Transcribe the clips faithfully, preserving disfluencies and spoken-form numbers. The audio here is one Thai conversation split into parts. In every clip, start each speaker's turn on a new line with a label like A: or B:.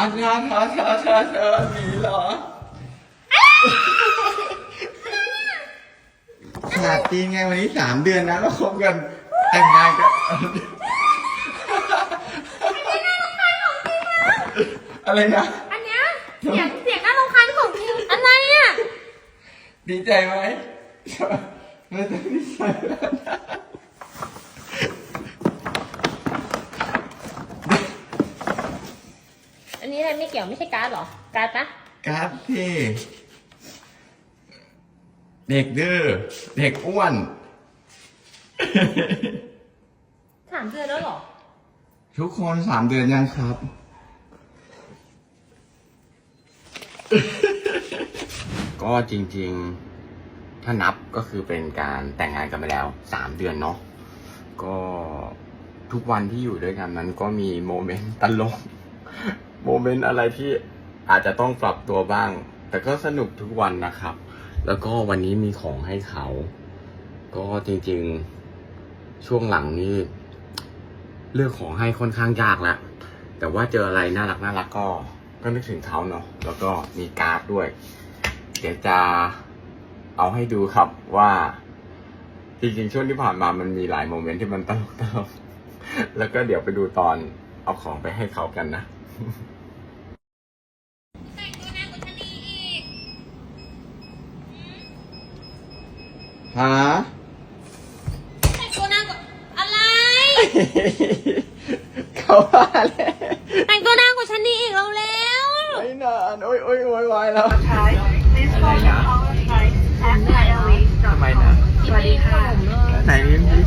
A: อันนั้นเธอเธอเธอเธอหนีเหรอขาดจริงไงวันนี้สามเดือนนะเราคบกันแต่งงานกันอะไรนะ
B: อันเนี้ยเสียงเสียงน่ารำคาญของจริงอะไรอ่ะ
A: ดีใจไหมไม่ต้องดีใจแล้วนะ
B: อันนี้อะไรไม่เกี่ยวไม่ใช่การ์ดหรอการ์ดปะ
A: การ์ดที่เด็กดื้อเด็กอ้วน
B: สามเดือนแล้วหรอ
A: ทุกคนสามเดือนยังครับก็จริงๆถ้านับก็คือเป็นการแต่งงานกันไปแล้วสามเดือนเนาะก็ทุกวันที่อยู่ด้วยกันนั้นก็มีโมเมนต์ตลกโมเมนต์อะไรที่อาจจะต้องปรับตัวบ้างแต่ก็สนุกทุกวันนะครับแล้วก็วันนี้มีของให้เขาก็จริงๆช่วงหลังนี่เลือกของให้ค่อนข้างยากแล้วแต่ว่าเจออะไรน่ารักน่ารักก็ก็นึกถึงเขาเนาะแล้วก็มีการ์ดด้วยเดี๋ยวจะเอาให้ดูครับว่าจริงๆช่วงที่ผ่านมามันมีหลายโมเมนต์ที่มันตลกตลกแล้วก็เดี๋ยวไปดูตอนเอาของไปให้เขากันนะ
B: แต่งตัวนางกุชนีอีก
A: ฮะ
B: แต่งตัวนางกุอะไร
A: เขาว่าเลย
B: แต่งตัวนางกุชนีอีกแล้วแล้ว
A: ไม่นานโอ้ยโอ้ยโอ้ยวายแล้ว
C: อะไรนะทำไมนะ
B: สวัสดีค่ะ
A: ไหนนี่พี่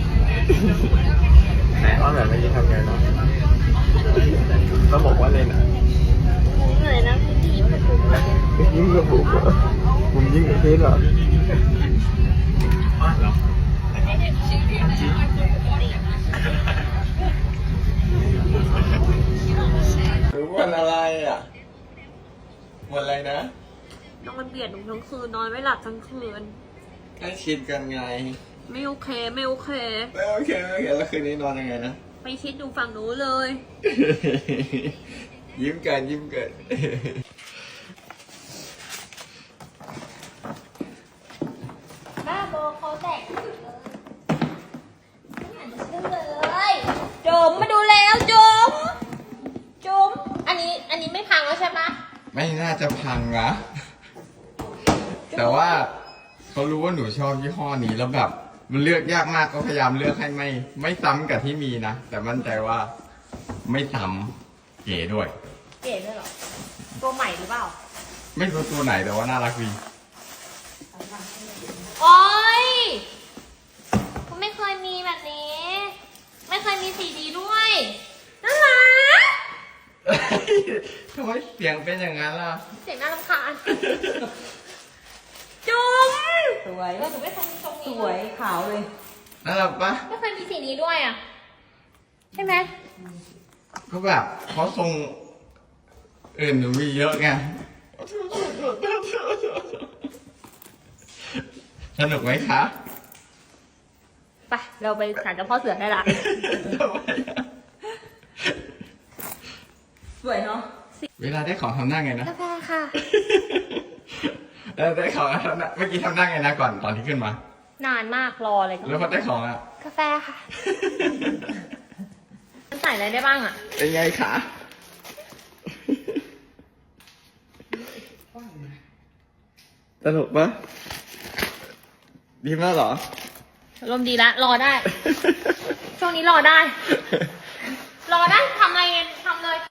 A: ไหนว่าแบบไม่ยิ่งทำไงเนาะต้องบอกว่าเล่นอ่ะ
B: เหนื่อยนะพี่ดีมาก
A: ยิ่งกระบุกเหรอผมยิ่งกระเพชรเหรอรู้วันอะไรอ่ะวันอะไรนะ
B: นอนเบียดทั้งคืนนอนไม่หลับทั้งคืน
A: ใกล้ชิดกันไง
B: ไม่โอเคไม่โอเค
A: ไม่โอเคไม่โอเคแล้วคืนนี้นอนยังไงนะ
B: ไปชิดดูฝั่งนู้นเลย
A: ยิ้มกันยิ้มกัน
B: บ้าบอเขาแตกเลยไม่อยากจะเชื่อเลยจมมาดูแล้วจมจมอันนี้อันนี้ไม่พังแล้วใช่ปะ
A: ไม่น่าจะพังนะแต่ว่าเขารู้ว่าหนูชอบยี่ห้อนี้แล้วแบบมันเลือกยากมากก็พยายามเลือกให้ไม่ไม่ซ้ำกับที่มีนะแต่มั่นใจว่าไม่ซ้ำเก๋ด้วย
B: เก๋ด้วยเหรอตัวใหม่หรือเปล่า
A: ไม่รู้ตัวไหนแต่ว่าน่ารักดี
B: โอ๊ยก็ไม่เคยมีแบบนี้ไม่เคยมีสีดีด้วยน่ารัก
A: ทำไมเสียงเป็นอย่างนั้นล่ะ
B: เสียงน่ารำคาญจุ๊ม
C: สวย
B: เราถึงไม่เคยมีทรงนี้
C: สวยขาวเลย
A: น่ารักปะ
B: ไม่เคยมีสีนี้ด้วยอ่ะใช่ไหม
A: ก็แบบเพราะทรงอื่นหนูมีเยอะไงสนุกไหมคะ
B: ไปเราไปศาลเจ้าพ่อเสือได้ละ
C: สวยเนาะ
A: เวลาได้ของทำหน้าไงนะ
B: กาแฟค่ะ
A: แล้วได้ของทำหน้าเมื่อกี้ทำหน้าไงนะก่อนตอนที่ขึ้นมาน
B: านมากรอเลย
A: แล้วพอได้ของอ่ะ
B: กาแฟค่ะมันใส่อะไรได้บ้างอ่ะ
A: เป็นไงคะตลกปะดีมากเหรอ
B: ลมดีละรอได้ช่วงนี้รอได้รอได้ทำอะไรทำเลย